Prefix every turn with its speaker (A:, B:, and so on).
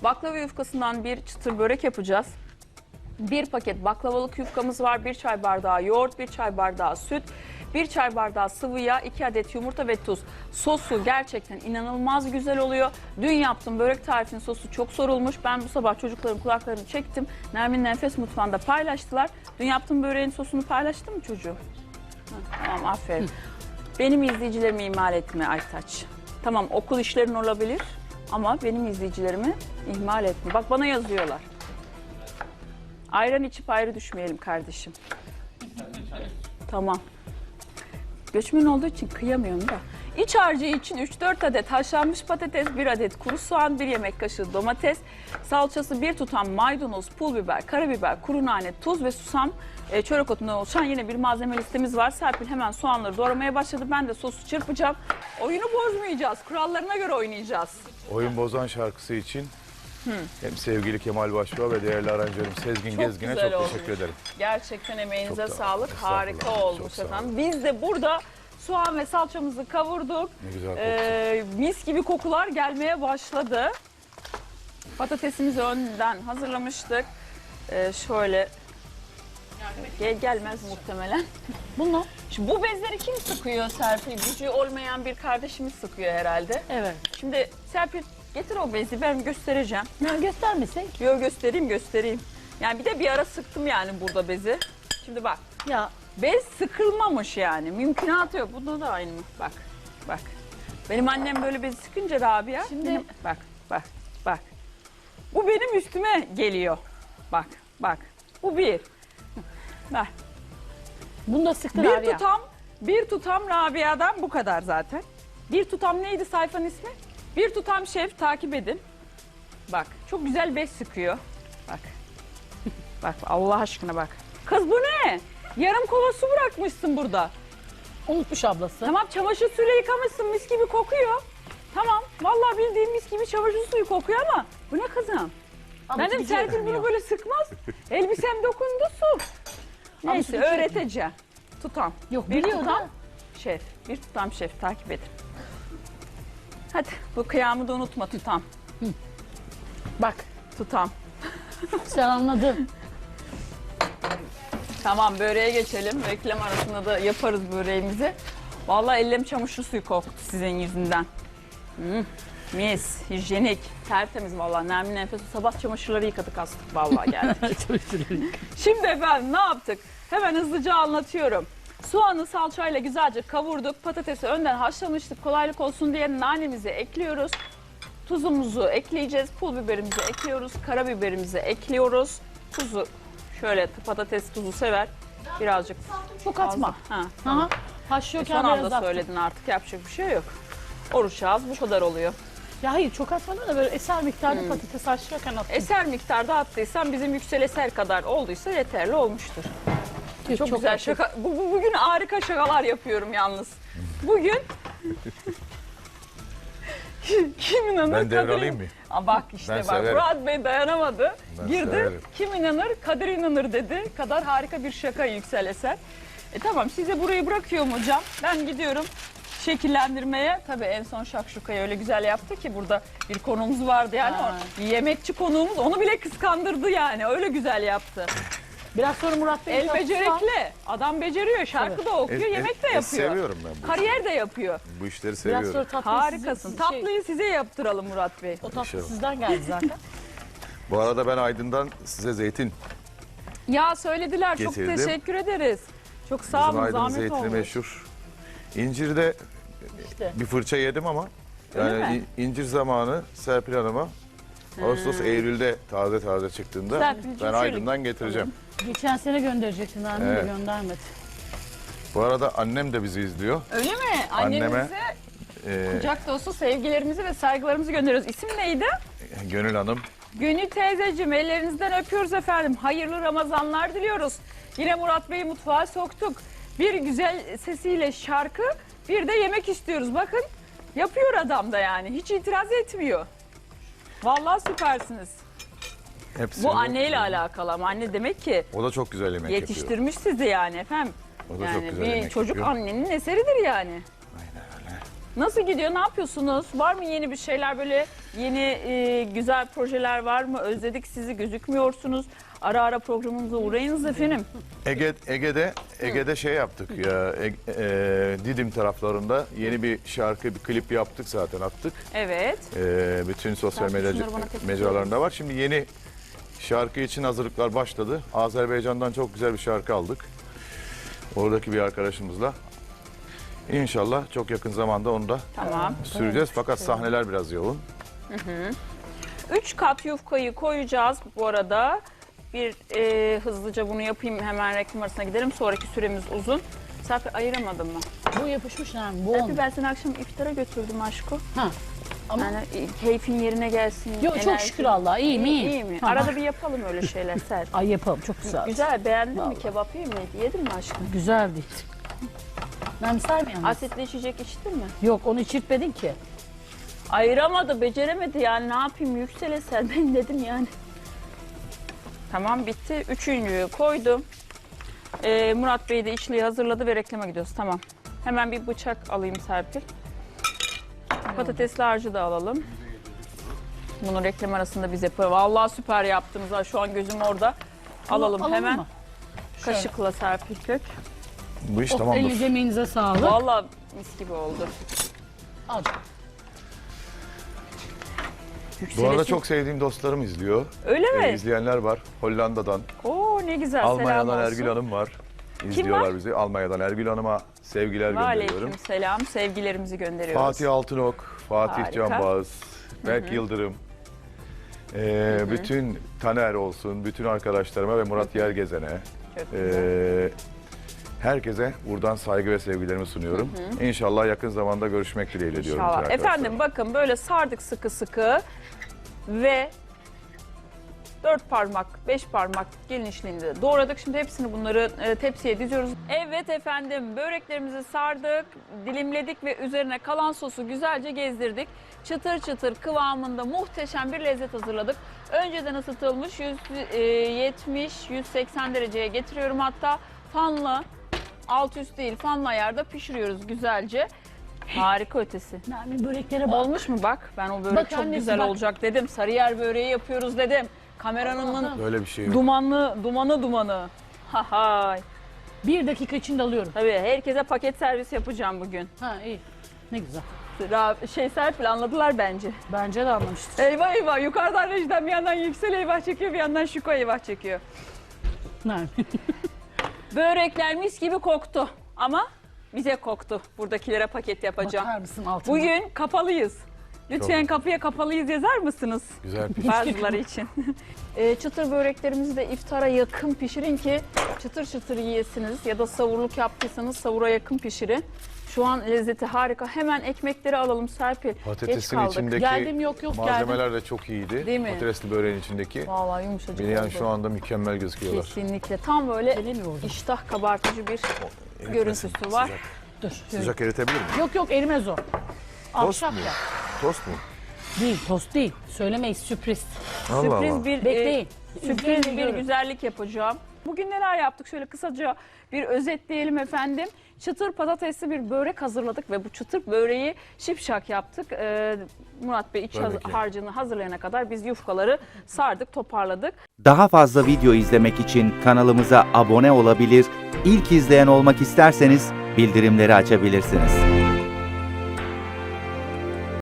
A: Baklava yufkasından bir çıtır börek yapacağız. Bir paket baklavalık yufkamız var. 1 çay bardağı yoğurt, 1 çay bardağı süt, 1 çay bardağı sıvı yağ, 2 adet yumurta ve tuz. Sosu gerçekten inanılmaz güzel oluyor. Dün yaptığım börek tarifinin sosu çok sorulmuş. Ben bu sabah çocukların kulaklarını çektim. Nermin Nefes Mutfağı'nda paylaştılar. Dün yaptığım böreğin sosunu paylaştın mı çocuğum? Tamam, aferin. Benim izleyicilerimi ihmal etme Aytaç. Tamam, okul işlerin olabilir ama benim izleyicilerimi ihmal etme. Bak bana yazıyorlar. Ayran içip ayrı düşmeyelim kardeşim. Tamam. Göçmen olduğu için kıyamıyorum da. İç harcı için 3-4 adet haşlanmış patates, 1 adet kuru soğan, 1 yemek kaşığı domates, salçası, 1 tutam maydanoz, pul biber, karabiber, kuru nane, tuz ve susam, çörek otundan oluşan yine bir malzeme listemiz var. Serpil hemen soğanları doğramaya başladı. Ben de sosu çırpacağım. Oyunu bozmayacağız. Kurallarına göre oynayacağız.
B: Oyun Bozan şarkısı için hem sevgili Kemal Başbuğ ve değerli aranjörüm Sezgin
A: Çok
B: Gezgin'e
A: güzel
B: çok
A: olmuş.
B: teşekkür ederim.
A: Gerçekten emeğinize
B: Çok
A: sağlık.
B: estağfurullah.
A: Harika
B: Çok
A: olmuş
B: sağ olun.
A: efendim. Biz de burada soğan ve salçamızı kavurduk.
B: Ne güzel koktu.
A: Mis gibi kokular gelmeye başladı. Patatesimizi önden hazırlamıştık. Şöyle gelmez muhtemelen.
C: Bunu.
A: Şimdi bu bezleri kim sıkıyor Serpil? Gücü olmayan bir kardeşimiz sıkıyor herhalde.
C: Evet.
A: Şimdi Serpil getir o bezi, ben göstereceğim.
C: Ne göstermesek?
A: Yo, göstereyim. Yani bir de bir ara sıktım yani burada bezi. Şimdi bak.
C: Ya
A: Bez sıkılmamış yani. Mümkünatı yok. Bunda da aynı mı? Bak. Benim annem böyle bezi sıkınca Rabia.
C: Şimdi-
A: Bak. Bu benim üstüme geliyor. Bak. Bu bir. Bak.
C: bunu da sıktın abi ya.
A: Bir tutam Rabia'dan bu kadar zaten. Bir tutam neydi sayfanın ismi? Bir tutam şef, takip edin. Bak, çok güzel bez sıkıyor. Bak Allah aşkına bak. Kız bu ne? Yarım kova su bırakmışsın burada.
C: Unutmuş ablası.
A: Tamam, çamaşır suyuyla yıkamışsın, mis gibi kokuyor. Tamam, vallahi bildiğim mis gibi çamaşır suyu kokuyor ama bu ne kızım?
C: Ablası
A: Benim
C: biliyor
A: Serpil bunu
C: ya.
A: böyle sıkmaz. Elbisem dokundu su. Neyse,
C: biliyor.
A: öğreteceğim. Tutam.
C: Yok,
A: Bir
C: biliyor
A: tutam
C: da.
A: şef. Bir tutam şef, takip edin. Hadi bu kıyamı da unutma, tutam.
C: Bak
A: Tutam.
C: sen anladın.
A: Tamam, böreğe geçelim. Reklam arasında da yaparız böreğimizi. Vallahi ellerim çamaşır suyu koktu sizin yüzünden. Mis, hijyenik, tertemiz vallahi. Nermin Nefes sabah çamaşırları yıkadık, astık vallahi geldik. Şimdi efendim ne yaptık? Hemen hızlıca anlatıyorum. Soğanı salçayla güzelce kavurduk. Patatesi önden haşlamıştık. Kolaylık olsun diye nanemizi ekliyoruz. Tuzumuzu ekleyeceğiz. Pul biberimizi ekliyoruz. Karabiberimizi ekliyoruz. Tuzu şöyle, patates tuzu sever. Birazcık
C: Çok atma.
A: Ha,
C: Aha.
A: son
C: Haşlıyorken biraz
A: anda
C: attım.
A: söyledin, artık yapacak bir şey yok. Oruç ağız bu kadar oluyor.
C: Ya hayır çok atmadan da böyle eser miktarda patates haşlıyorken attım.
A: Eser miktarda attıysan bizim Yüksel Eser kadar olduysa yeterli olmuştur. Çok güzel
C: attık.
A: şaka. Bugün harika şakalar yapıyorum yalnız. Bugün kim inanır?
B: Ben devralayım mı?
A: Bak işte
B: Ben
A: bak,
B: severim.
A: Murat Bey dayanamadı.
B: Ben
A: Girdi.
B: severim.
A: Kim inanır? Kadir inanır dedi. Kadar harika bir şaka Yüksel Eser. Tamam, size burayı bırakıyorum hocam. Ben gidiyorum şekillendirmeye. Tabii en son şakşukayı öyle güzel yaptı ki, burada bir konuğumuz vardı yani.
C: Ha.
A: Yemekçi konuğumuz, onu bile kıskandırdı yani. Öyle güzel yaptı.
C: Biraz sonra Murat Bey
A: El becerikli. Adam beceriyor. Şarkı da okuyor, yemek de yapıyor.
B: Seviyorum ben bu.
A: Kariyer de yapıyor.
B: Bu işleri
C: Biraz sonra
B: seviyorum.
C: tatlıyı
A: Harikasın.
C: sizin-
A: Tatlıyı size yaptıralım Murat Bey.
C: o tatlı
B: İnşallah.
C: sizden geldi zaten.
B: Bu arada ben Aydın'dan size zeytin.
A: Ya söylediler.
B: Getirdim.
A: Çok teşekkür ederiz. Çok sağ
B: Bizim
A: olun.
B: Aydın'ın
A: Zahmet
B: zeytini
A: olmuş.
B: meşhur. İncir'de
C: İşte.
B: bir fırça yedim ama
A: Öyle
B: yani
A: mi?
B: incir zamanı Serpil Hanım'a Ağustos, Eylül'de taze çıktığında
A: Serpil'cim
B: ben
A: şöyle-
B: Aydın'dan getireceğim.
C: Geçen sene gönderecektin annem
B: Evet.
C: de göndermedi.
B: Bu arada annem de bizi izliyor.
A: Öyle mi?
B: Anneme,
A: Annemize kucak dolusu sevgilerimizi ve saygılarımızı gönderiyoruz. İsim neydi?
B: Gönül Hanım.
A: Gönül teyzeciğim, ellerinizden öpüyoruz efendim. Hayırlı Ramazanlar diliyoruz. Yine Murat Bey'i mutfağa soktuk. Bir güzel sesiyle şarkı, bir de yemek istiyoruz. Bakın yapıyor adam da yani. Hiç itiraz etmiyor. Vallahi süpersiniz.
B: Hepsi
A: Bu anneyle alakalı ama anne demek ki
B: O da çok güzel yemek yapıyor.
A: yetiştirmiş sizi yani efendim.
B: O da çok
A: Yani
B: güzel
A: bir
B: yemek
A: çocuk
B: yapıyor.
A: annenin eseridir yani.
B: Aynen öyle.
A: Nasıl gidiyor? Ne yapıyorsunuz? Var mı yeni bir şeyler, böyle Yeni güzel projeler var mı? Özledik sizi, gözükmüyorsunuz. Ara ara programımıza uğrayınız efendim.
B: Ege'de şey yaptık ya, Didim taraflarında yeni bir şarkı, bir klip yaptık zaten, attık.
A: Evet.
B: Bütün sosyal
A: Sen
B: medya
A: şunları bana tek tek
B: mecralarında var. Şimdi yeni şarkı için hazırlıklar başladı. Azerbaycan'dan çok güzel bir şarkı aldık. Oradaki bir arkadaşımızla. İnşallah çok yakın zamanda onu da
A: Tamam.
B: süreceğiz. Fakat sahneler biraz yoğun.
A: 3 kat yufkayı koyacağız bu arada. Bir hızlıca bunu yapayım, hemen reklam arasına gidelim. Sonraki süremiz uzun. Serpil ayıramadım mı?
C: Bu yapışmış yani. Bu
A: Serpil
C: olmuş.
A: ben seni akşam iftara götürdüm aşko.
C: Ha. Ama
A: Yani keyfin yerine gelsin.
C: yok, çok
A: enerjin.
C: şükür Allah'a. İyiyim, iyiyim.
A: İyi mi?
C: Ha.
A: Arada bir yapalım öyle şeyler Serpil.
C: Ay yapalım, çok güzel.
A: Güzel, beğendin mi?
C: Vallahi.
A: Kebap iyi miydi? Yedin mi aşkım?
C: Güzel değil. Ben ister miyim?
A: Asitli içecek içtin mi?
C: Yok, onu içirtmedin ki.
A: Ayıramadı, beceremedi yani, ne yapayım, yüksele sen, ben dedim yani. Tamam, bitti. Üçüncüyü koydum. Murat Bey de içliği hazırladı ve reklama gidiyoruz. Tamam. Hemen bir bıçak alayım Serpil. Patatesli harcı da alalım. Bunu reklam arasında biz yapalım. Vallahi süper yaptınız ha. Şu an gözüm orada. Alalım hemen.
C: mı? Şöyle.
A: Kaşıkla Serpil Kök.
B: Bu iş
C: Oh,
B: tamamdır.
C: elinize emeğinize sağlık.
A: Vallahi mis gibi oldu.
C: Al.
B: Bu arada
A: Yükselesin-
B: çok sevdiğim dostlarım izliyor.
A: Öyle mi?
B: İzleyenler var. Hollanda'dan,
A: Oo ne güzel. Selam
B: Almanya'dan
A: olsun.
B: Ergül Hanım var. İzliyorlar
A: var?
B: bizi. Almanya'dan Ergül Hanım'a sevgiler gönderiyorum.
A: Aleyküm selam. Sevgilerimizi gönderiyoruz.
B: Fatih Altınok, Fatih
A: Harika.
B: Canbaz, Berk Yıldırım. Bütün Taner olsun, bütün arkadaşlarıma ve Murat Yergezen'e,
A: Çok güzel.
B: herkese buradan saygı ve sevgilerimi sunuyorum. İnşallah yakın zamanda görüşmek dileğiyle diyorum.
A: İnşallah.
B: bütün arkadaşlarıma.
A: Efendim bakın böyle sardık sıkı sıkı ve 4 parmak, 5 parmak genişliğinde doğradık. Şimdi hepsini bunları tepsiye diziyoruz. Evet efendim, böreklerimizi sardık, dilimledik ve üzerine kalan sosu güzelce gezdirdik. Çıtır çıtır kıvamında muhteşem bir lezzet hazırladık. Önceden ısıtılmış 170-180 dereceye getiriyorum hatta. Fanla, alt üst değil, fanla ayarda pişiriyoruz güzelce. Harika ötesi.
C: Yani böreklere bak.
A: Olmuş mu bak? Ben o börek
C: Bak
A: çok
C: annesi,
A: güzel
C: bak.
A: olacak dedim. Sarıyer böreği yapıyoruz dedim. Kameranın
B: Böyle bir şey yok.
A: dumanı. Ha hay.
C: 1 dakika içinde alıyorum.
A: Tabii herkese paket servis yapacağım bugün.
C: Ha iyi. Ne güzel.
A: Serpil anladılar bence.
C: Bence de anlamıştır.
A: Eyvah eyvah, yukarıdan rejiden bir yandan Yüksel eyvah çekiyor, bir yandan Şuko eyvah çekiyor.
C: Yani.
A: Börekler mis gibi koktu ama bize koktu. Buradakilere paket yapacağım.
C: Bakar mısın altına?
A: Bugün kapalıyız. Lütfen kapıya kapalıyız yazar mısınız?
B: Güzel bir
A: Bazıları için. Çıtır böreklerimizi de iftara yakın pişirin ki çıtır çıtır yiyesiniz. Ya da savurluk yaptıysanız savura yakın pişirin. Şu an lezzeti harika. Hemen ekmekleri alalım Serpil. Geç
B: Patatesin
A: kaldık.
B: içindeki
C: Geldim, yok, geldim.
B: malzemeler de çok iyiydi.
A: Değil mi?
B: Patatesli böreğin içindeki.
A: Vallahi yumuşacık
B: Beni yani
A: oldu.
B: şu anda mükemmel gözüküyorlar.
A: Kesinlikle. Tam böyle
C: Gelemiyor orada.
A: iştah kabartıcı bir görüntüsü var.
B: Sıcak,
C: Dur.
B: sıcak eritebilir miyim?
C: Yok erimez o.
B: Tost
C: Ahşap
B: mu?
C: ya.
B: Tost mu?
C: Değil, tost değil. Söylemeyiz, sürpriz.
B: Allah
A: Sürpriz
B: Allah.
A: bir
C: Bekleyin.
A: sürpriz
C: İzleyin,
A: bir
C: görün.
A: güzellik yapacağım. Bugün neler yaptık? Şöyle kısaca bir özetleyelim efendim. Çıtır patatesli bir börek hazırladık ve bu çıtır böreği şipşak yaptık. Murat Bey iç
B: Tabii ki.
A: harcını hazırlayana kadar biz yufkaları sardık, toparladık.
D: Daha fazla video izlemek için kanalımıza abone olabilir, ilk izleyen olmak isterseniz bildirimleri açabilirsiniz.